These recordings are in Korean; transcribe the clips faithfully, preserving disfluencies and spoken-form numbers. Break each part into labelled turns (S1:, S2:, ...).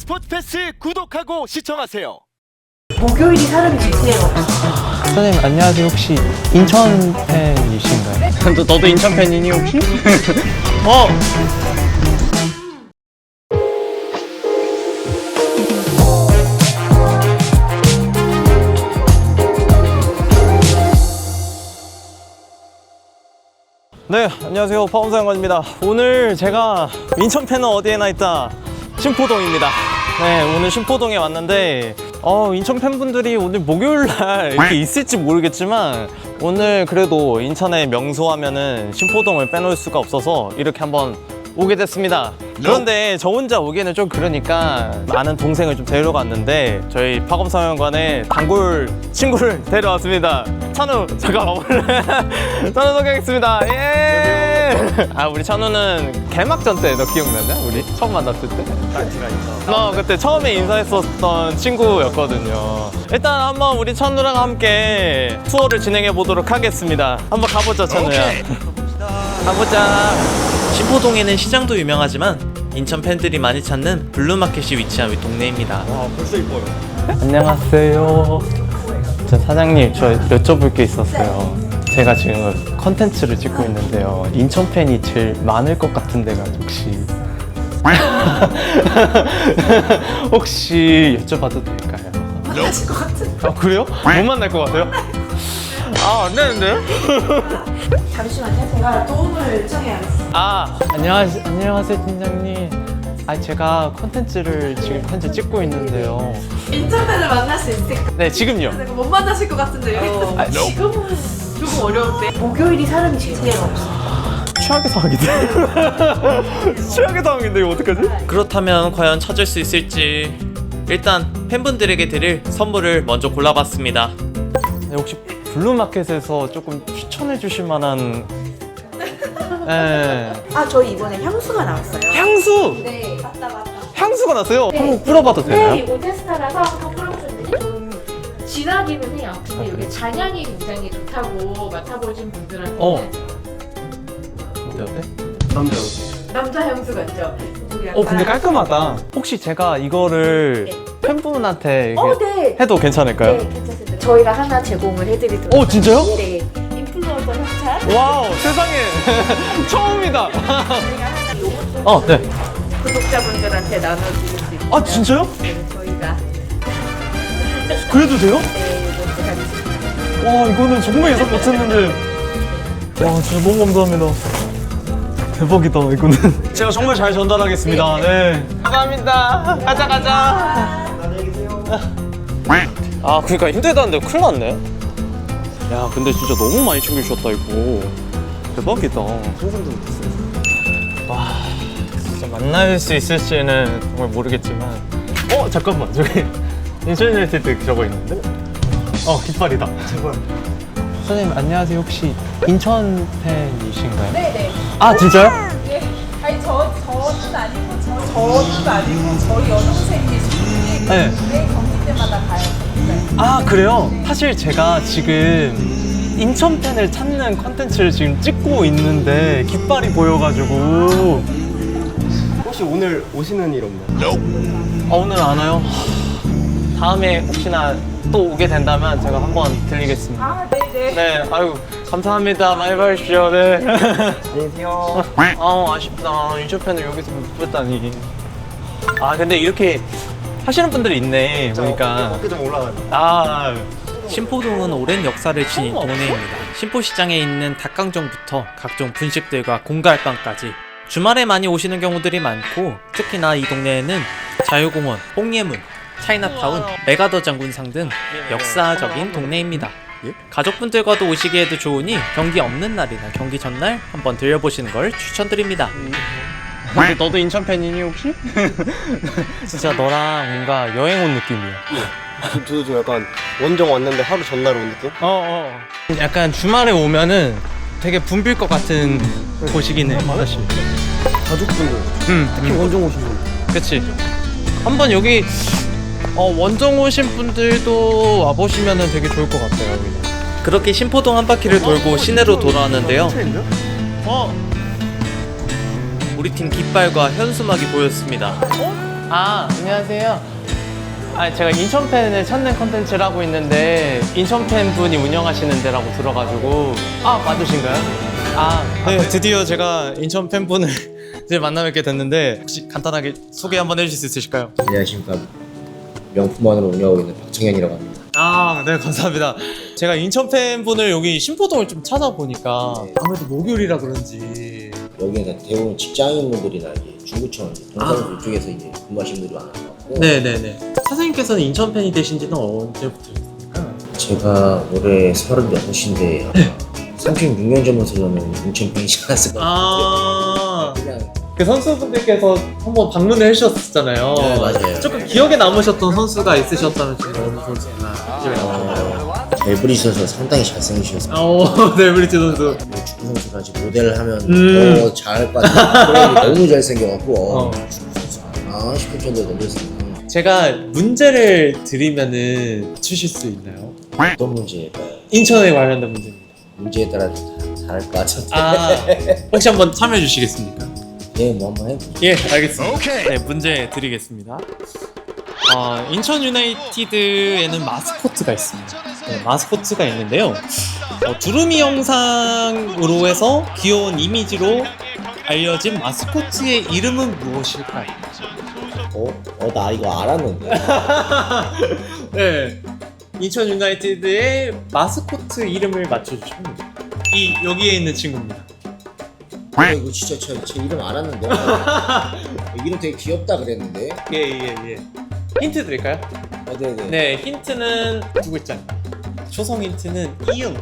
S1: 스포츠 패스 구독하고 시청하세요.
S2: 목요일이 사람이 제일 없어.
S3: 선생님 안녕하세요. 혹시 인천 팬이신가요? 너, 너도 인천 팬이니 혹시? 어! 네, 안녕하세요. 파움사연관입니다. 오늘 제가 인천 팬은 어디에나 있다. 신포동입니다. 네, 오늘 신포동에 왔는데 어, 인천 팬분들이 오늘 목요일날 이렇게 있을지 모르겠지만 오늘 그래도 인천의 명소하면은 신포동을 빼놓을 수가 없어서 이렇게 한번 오게 됐습니다. 그런데 저 혼자 오기에는 좀 그러니까 아는 동생을 좀 데려갔는데 저희 파검사연관에 단골 친구를 데려왔습니다. 찬우 잠깐 와볼래? 찬우 소개하겠습니다. 예! 아 우리 찬우는 개막전 때 너 기억나냐? 우리 처음 만났을 때?
S1: 파티가 있어.
S3: 어 그때 처음에 인사했었던 친구였거든요. 일단 한번 우리 찬우랑 함께 투어를 진행해 보도록 하겠습니다. 한번 가보자 찬우야. 가보자.
S4: 신포동에는 시장도 유명하지만 인천 팬들이 많이 찾는 블루마켓이 위치한 동네입니다.
S1: 와 벌써 이뻐요.
S3: 안녕하세요. 저 사장님 저 여쭤볼 게 있었어요. 제가 지금 컨텐츠를 찍고 있는데요. 인천 팬이 제일 많을 것 같은 데가 혹시 혹시 여쭤봐도 될까요?
S2: 만나실 것 같은데.
S3: 아 그래요? 못 만날 것 같아요? 아 안 되는데요?
S2: 잠시만요. 제가 도움을 청해야겠어요.
S3: 아 안녕하세요. 안녕하세요 팀장님. 아 제가 컨텐츠를 지금 현재 찍고 있는데요.
S2: 인천팬을 만날 수 있을까?
S3: 네 지금요.
S2: 내가 못 만나실 것 같은데 여기
S3: 어. 아,
S2: 지금은 조금 어려운데. 목요일이 사람이 제일 없어.
S3: 최악의 상황인데. 최악의 상황인데 이거 어떡하지?
S4: 그렇다면 과연 찾을 수 있을지 일단 팬분들에게 드릴 선물을 먼저 골라봤습니다.
S3: 네, 혹시 블루마켓에서 조금 추천해 주실 만한 네.
S2: 아 저희 이번에 향수가 나왔어요.
S3: 향수!
S2: 네 맞다 맞다.
S3: 향수가 났어요?
S5: 네.
S3: 한번 뿌려봐도
S5: 네,
S3: 되나요?
S5: 이거 테스타라서 한번 뿌려보셨는데 좀 진하기는 해요. 근데 이게 잔향이 굉장히 좋다고 맡아보신 분들한테는
S3: 어. 어때?
S1: 남자.
S2: 남자 향수 같죠? 우리
S3: 어 근데
S2: 약간-
S3: 깔끔하다. 혹시 제가 이거를
S2: 네.
S3: 팬분한테 이게
S2: 어 네.
S3: 해도 괜찮을까요?
S2: 네 괜찮습니다. 저희가 하나 제공을 해드리도록.
S3: 어, 진짜요?
S2: 네. 인플루언서 협찬.
S3: 와우 세상에 처음이다.
S2: 저희가 하나 요것도
S3: 어 네.
S2: 구독자분들한테 나눠드릴 수 있어요.
S3: 아 진짜요?
S2: 네, 저희가
S3: 그래도 돼요?
S2: 네, 이것도 가지고
S3: 와 이거는 정말 예상 못했는데 와 진짜 너무 감사합니다. 대박이다 이거는. 제가 정말 잘 전달하겠습니다. 네. 감사합니다. 가자 가자.
S1: 안녕히 계세요.
S3: 아 그러니까 힘들다는데 큰일 났네. 야 근데 진짜 너무 많이 챙겨주셨다 이거. 대박이다.
S1: 상상도 못했어요.
S3: 와 진짜 만날 수 있을지는 정말 모르겠지만 어 잠깐만 저기 인천 유나이티드 저거 있는데? 어 깃발이다.
S1: 제발.
S3: 선생님 안녕하세요. 혹시 인천 팬이신가요?
S6: 네네.
S3: 아 진짜요?
S6: 예. 아니 저 저는 아니고 저 저는 아니고 저희 여동생이신데
S3: 네.
S6: 매 경기 때마다 가요. 네.
S3: 아 그래요? 사실 제가 지금 인천 팬을 찾는 컨텐츠를 지금 찍고 있는데 깃발이 보여가지고
S1: 혹시 오늘 오시는 일 없나요?
S3: 아 오늘 안 와요? 다음에 혹시나 또 오게 된다면 제가 한번 들리겠습니다.
S6: 아 네네.
S3: 네, 아유 감사합니다. 많이 봐주시오. 네.
S1: 안녕히 계세요.
S3: 아 아쉽다. 인천 팬을 여기서 못 뵀다니. 아 근데 이렇게 하시는 분들이 있네 보니까.
S1: 어깨 좀 올라가요.
S3: 아
S4: 신포동은 오랜 역사를 지닌 동네입니다. 신포시장에 있는 닭강정부터 각종 분식들과 공갈빵까지 주말에 많이 오시는 경우들이 많고 특히나 이 동네에는 자유공원, 홍예문, 차이나타운, 메가더 장군상 등 역사적인 동네입니다. 가족분들과도 오시기에도 좋으니 경기 없는 날이나 경기 전날 한번 들려보시는 걸 추천드립니다.
S3: 근데 너도 인천 팬이니 혹시? 진짜 너랑 뭔가 여행 온 느낌이야.
S1: 저도 좀 약간 원정 왔는데 하루 전날 온 느낌?
S3: 어, 어. 약간 주말에 오면은 되게 붐빌 것 같은 곳이긴 해, 사실.
S1: 가족분들.
S3: 응,
S1: 특히
S3: 응.
S1: 원정 오신 분.
S3: 그치. 한번 여기 어, 원정 오신 분들도 와보시면은 되게 좋을 것 같아요, 여기.
S4: 그렇게 신포동 한 바퀴를 돌고 시내로 돌아왔는데요.
S3: 어,
S4: 우리 팀 깃발과 현수막이 보였습니다.
S3: 어? 아, 안녕하세요. 아, 제가 인천 팬을 찾는 컨텐츠를 하고 있는데 인천 팬 분이 운영하시는 데라고 들어가지고. 아, 맞으신가요? 아, 네, 드디어 제가 인천 팬 분을 이제 만나뵙게 됐는데 혹시 간단하게 소개 한번 해주실 수 있으실까요?
S7: 안녕하십니까. 명품원으로 운영하고 있는 박정현이라고 합니다.
S3: 아, 네, 감사합니다. 제가 인천 팬분을 여기 신포동을 좀 찾아보니까
S7: 네.
S3: 아무래도 목요일이라 그런지.
S7: 여기는 대부분 직장인분들이나 이제 중구청, 동사무소 이쪽에서 이제 근무하시는 분들이 많아서
S3: 네네네. 사장님께서는 인천 팬이 되신 지는 언제부터였습니까?
S7: 제가 올해 서른여섯인데 삼십육 년 전부터 저는 인천 팬이지 않았을까.
S3: 아,
S7: 그냥
S3: 그 선수분들께서 한번 방문을 해주셨잖아요.
S7: 네, 맞아요.
S3: 조금 기억에 남으셨던 선수가 있으셨다면 좀 어느 선수가 기억에 남으셨나요?
S7: 잘 부리셔서 상당히 잘생기셔서
S3: 어, 네, 브리트 선수.
S7: 축구 선수가 지금 모델을 하면
S3: 음.
S7: 더 잘할 것 같아요. 너무 잘생겨갖고 어,
S3: 어.
S7: 축구 선수 아 싶을 정도로 너무 잘생겨.
S3: 제가 문제를 드리면은 추실 수 있나요?
S7: 어떤 문제일까요?
S3: 인천에 관련된 문제입니다.
S7: 문제에 따라 다 잘할 것 같은데.
S3: 아, 혹시 한번 참여해 주시겠습니까?
S7: 네, 뭐 한번 해보죠.
S3: 예, 알겠습니다. 네, 문제 드리겠습니다. 어, 인천 유나이티드에는 마스코트가 있습니다. 네, 마스코트가 있는데요. 어, 두루미 영상으로 해서 귀여운 이미지로 알려진 마스코트의 이름은 무엇일까요?
S7: 어? 어, 나 이거 알았는데.
S3: 네, 인천 유나이티드의 마스코트 이름을 맞춰주시면 됩니다. 이 여기에 있는 친구입니다.
S7: 아, 이거 진짜 제, 제 이름 알았는데. 이름 되게 귀엽다 그랬는데.
S3: 예, 예, 예. 힌트 드릴까요?
S7: 아, 네네.
S3: 네, 힌트는 두 글자입니다. 초성 힌트는 이응.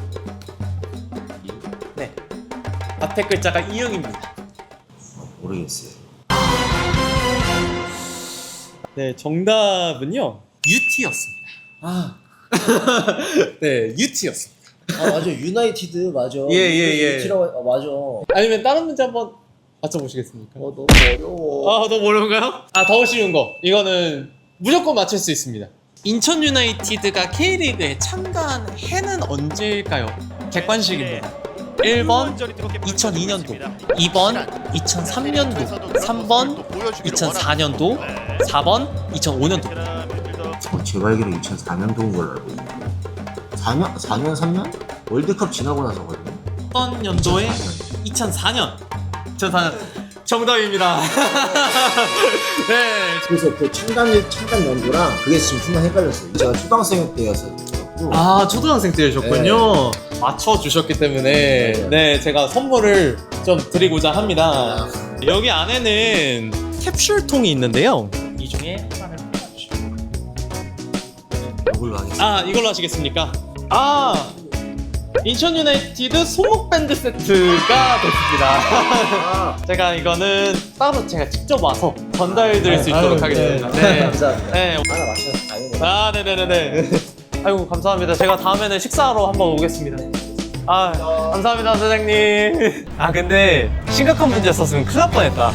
S3: 네. 앞에 글자가 이응입니다.
S7: 모르겠어요.
S3: 네, 정답은요. 유티였습니다. 아. 네, 유티였습니다.
S7: 아 맞아 유나이티드 맞아.
S3: 예, 예, 예.
S7: 유티라고 아 맞아. 어
S3: 아니면 다른 문제 한번 맞춰보시겠습니까?
S7: 너무 어려워.
S3: 아, 너무 어려운가요? 아, 더 쉬운 거. 이거는 무조건 맞출 수 있습니다. 인천 유나이티드가 K리그에 참가한 해는 언제일까요? 객관식입니다. 일 번 이천이 년도, 이 번 이천삼 년도, 삼 번 이천사 년도, 사 번 이천오 년도.
S7: 어, 제가 알기로 이천사 년도인 걸로 알고 있는데. 사 년 사 년 삼 년 월드컵 지나고 나서거든요.
S3: 어떤 연도에? 이천사 년. 이천사 년. 정답입니다. 네.
S7: 그래서 그 창단 참단 연도랑 그게 지금 순간 헷갈렸어요. 제가 초등학생 때여서.
S3: 아, 초등학생 때셨군요. 맞춰주셨기 때문에
S7: 맞아요.
S3: 네, 제가 선물을 좀 드리고자 합니다.
S7: 아.
S3: 여기 안에는 캡슐통이 있는데요. 이 중에 하나를 뽑아주시면.
S7: 이걸로 하겠습니다.
S3: 아, 이걸로 하시겠습니까? 아, 인천 유나이티드 소목 밴드 세트가 됐습니다. 제가 이거는 따로 제가 직접 와서 전달드릴 수 있도록 하겠습니다. 네.
S7: 감사합니다.
S3: 네.
S7: 하나 맞춰서 다행이네요.
S3: 아, 네네네네. 아이고, 감사합니다. 제가 다음에는 식사하러 한번 오겠습니다. 아, 감사합니다, 사장님. 아, 근데 심각한 문제였었으면 큰일 날 뻔했다.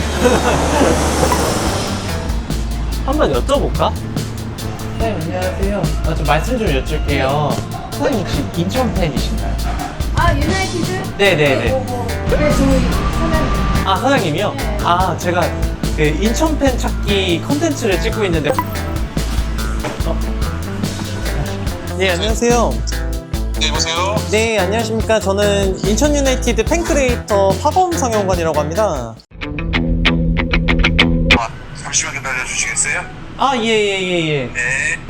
S3: 한번 여쭤볼까? 네, 안녕하세요. 아, 좀 말씀 좀 여쭐게요. 사장님 혹시 인천 팬이신가요?
S5: 아 유나이티드?
S3: 네네네.
S5: 어, 네 저희 사장.
S3: 아, 사장님이요? 아, 제가 그 인천 팬 찾기 컨텐츠를 찍고 있는데. 어? 네, 안녕하세요.
S8: 네, 여보세요?
S3: 네, 안녕하십니까. 저는 인천 유나이티드 팬크리에이터 파범 상영관이라고 합니다.
S8: 아, 잠시만 기다려 주시겠어요?
S3: 아, 예, 예, 예, 예.
S8: 네.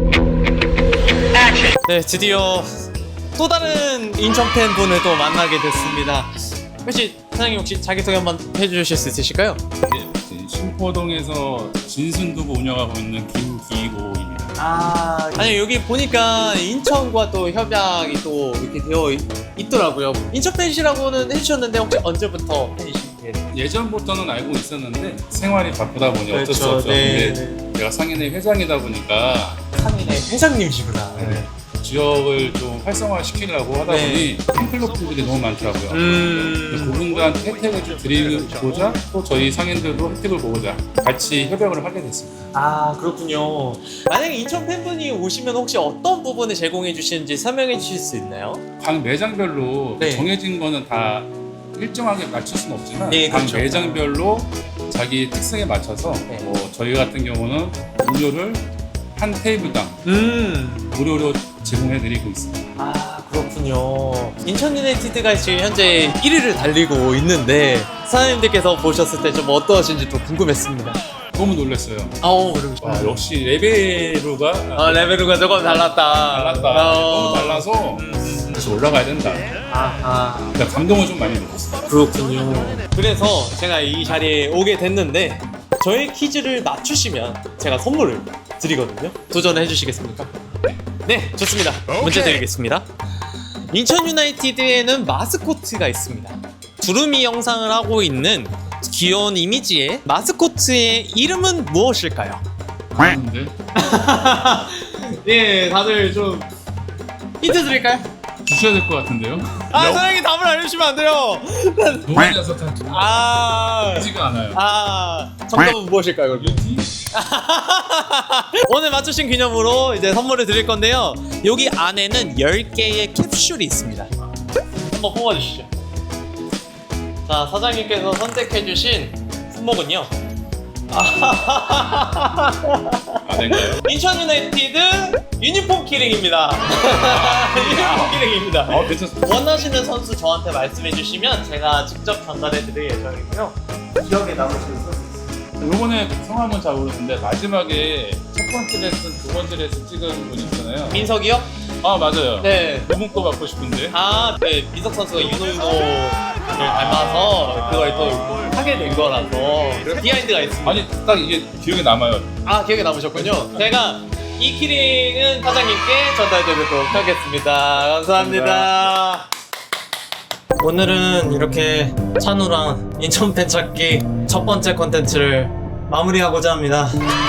S3: 네, 드디어 또 다른 인천 팬분을 또 만나게 됐습니다. 혹시 사장님 혹시 자기소개 한번 해주실 수 있으실까요?
S9: 네, 신포동에서 진순두부 운영하고 있는 김기호입니다.
S3: 아, 아니 여기 보니까 인천과 또 협약이 또 이렇게 되어 있, 있더라고요. 인천 팬이시라고는 해주셨는데 혹시 언제부터 팬이신가요?
S9: 예전부터는 알고 있었는데 생활이 바쁘다 보니 어쩔 수
S3: 그렇죠,
S9: 없죠.
S3: 네.
S9: 근데 제가 상인회 회장이다 보니까
S3: 상인의 회장님이시구나.
S9: 네. 지역을 좀 활성화시키려고 하다
S3: 네.
S9: 보니 팬클럽들이 너무 많더라고요.
S3: 음.
S9: 근데 그분들한테 혜택을 좀 드리고자 또 저희 상인들도 혜택을 보고자 같이 협약을 하게 됐습니다.
S3: 아, 그렇군요. 만약에 인천 팬분이 오시면 혹시 어떤 부분을 제공해 주시는지 설명해 주실 수 있나요?
S9: 각 매장별로
S3: 네.
S9: 정해진 거는 다 일정하게 맞출 수는 없지만
S3: 네,
S9: 각
S3: 그렇죠.
S9: 매장별로 자기 특성에 맞춰서
S3: 네.
S9: 뭐 저희 같은 경우는 무료를 한 테이블당
S3: 음.
S9: 무료로 제공해드리고 있습니다.
S3: 아, 그렇군요. 인천 유나이티드가 지금 현재 일 위를 달리고 있는데 사장님들께서 보셨을 때 좀 어떠하신지 좀 궁금했습니다.
S9: 너무 놀랐어요.
S3: 아우, 그러고
S9: 와, 역시 레베루가
S3: 아, 레베루가 조금 달랐다.
S9: 달랐다.
S3: 어.
S9: 너무 달라서 다시 올라가야 된다.
S3: 아하.
S9: 그러니까 감동을 좀 많이 먹었어요.
S3: 그렇군요. 그래서 제가 이 자리에 오게 됐는데 저의 퀴즈를 맞추시면 제가 선물을 드리거든요. 도전해 주시겠습니까? 네, 좋습니다. 문제 드리겠습니다. 인천 유나이티드에는 마스코트가 있습니다. 두루미 영상을 하고 있는 귀여운 이미지의 마스코트의 이름은 무엇일까요?
S9: 그런데
S3: 예, 다들 좀 힌트 드릴까요?
S9: 주셔야 될 것 같은데요?
S3: 아, 사장님 답을 알려주시면 안 돼요.
S9: 너무 많이 나서
S3: 아,
S9: 지가 않아요.
S3: 아, 정답은 무엇일까요, 그럼? 오늘 맞추신 기념으로 이제 선물을 드릴 건데요. 여기 안에는 열 개의 캡슐이 있습니다. 한번 뽑아주시죠. 자, 사장님께서 선택해주신 품목은요.
S9: 아닌가요?
S3: 인천 유나이티드 유니폼 키링입니다. 유니폼 키링입니다.
S9: 어, 괜찮습니다.
S3: 원하시는 선수 저한테 말씀해주시면 제가 직접 전달해드릴 예정이고요. 기억에 남으시는 선수.
S9: 요번에 성함은 잘 모르는데 마지막에 첫 번째 레슨, 두 번째 레슨 찍은 분 있잖아요.
S3: 민석이요?
S9: 아 맞아요.
S3: 네.
S9: 그분 거 받고 싶은데.
S3: 아, 네. 민석 선수가 윤호윤호를 닮아서 그걸 또 하게 된 거라서 비하인드가 있습니다.
S9: 아니 딱 이게 기억에 남아요.
S3: 아, 기억에 남으셨군요. 제가 이 키링은 사장님께 전달드리도록 하겠습니다. 감사합니다. 오늘은 이렇게 찬우랑 인천 팬 찾기 첫 번째 컨텐츠를 마무리하고자 합니다.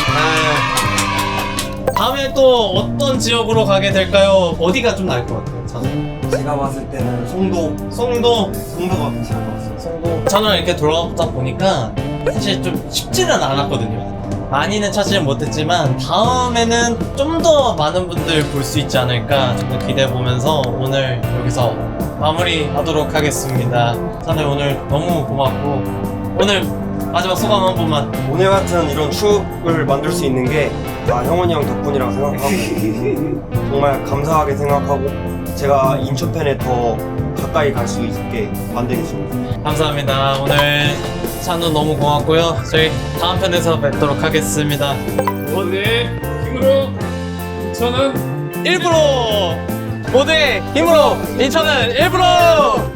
S3: 아, 다음에 또 어떤 지역으로 가게 될까요? 어디가 좀 나을 것 같아요, 찬우?
S1: 제가 봤을 때는 송도
S3: 송도?
S1: 송도가 괜찮을 것 같습니다.
S3: 송도. 찬우랑 이렇게 돌아보다 보니까 사실 좀 쉽지는 않았거든요. 많이는 찾지는 못했지만 다음에는 좀 더 많은 분들 볼 수 있지 않을까 좀 더 기대해 보면서 오늘 여기서 마무리하도록 하겠습니다. 찬우 오늘 너무 고맙고 오늘 마지막 소감 한 번만.
S1: 오늘 같은 이런 추억을 만들 수 있는 게 다 형원이 형 덕분이라고 생각하고 정말 감사하게 생각하고 제가 인천 팬에 더 가까이 갈 수 있게 만들겠습니다.
S3: 감사합니다. 오늘 찬우 너무 고맙고요. 저희 다음 편에서 뵙도록 하겠습니다.
S9: 오늘 힘으로 인천은
S3: 일부러 모두의 힘으로 인천은 일부러